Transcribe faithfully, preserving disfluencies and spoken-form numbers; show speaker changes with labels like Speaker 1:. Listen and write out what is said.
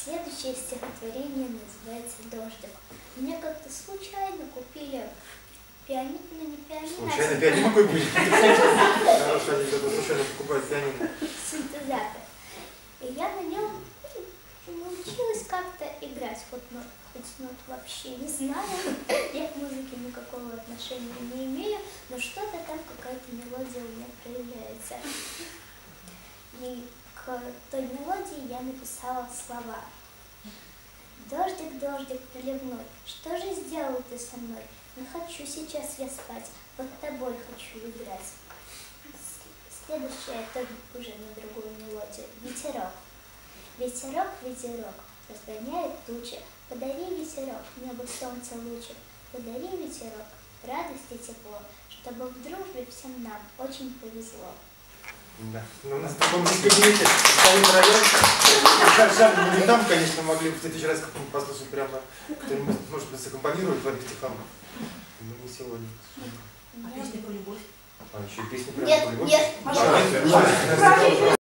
Speaker 1: Следующее стихотворение называется «Дождик». Мне как-то случайно купили пианино, ну не пианино.
Speaker 2: Случайно пианино какой будет? Хорошо, они кто-то случайно покупают пианино.
Speaker 1: Синтезатор. И я на нем научилась как-то играть. Вот нот, хоть нот вообще не знаю, я к музыке никакого отношения не имею, но что-то там, какая-то мелодия у меня проявляется. И к той мелодии я написала слова. Дождик, дождик проливной, что же сделал ты со мной? Не хочу сейчас я спать, под тобой хочу играть. Следующее это уже на другую мелодию. Ветерок. Ветерок, ветерок, разгоняет тучи. Подари, ветерок, небо солнца лучик. Подари, ветерок, радость и тепло, чтобы в дружбе всем нам очень повезло.
Speaker 2: Да. Но у нас в таком дискотеке стоит район. Жаль, мы не там, конечно, могли бы в следующий раз как-нибудь послушать прямо, кто-нибудь, может быть, саккомпанирует Владимир Стефанов. Но не сегодня.
Speaker 3: А песня про любовь?
Speaker 2: А еще и песня про
Speaker 1: Нет,
Speaker 2: любовь?
Speaker 1: нет,
Speaker 2: Нет.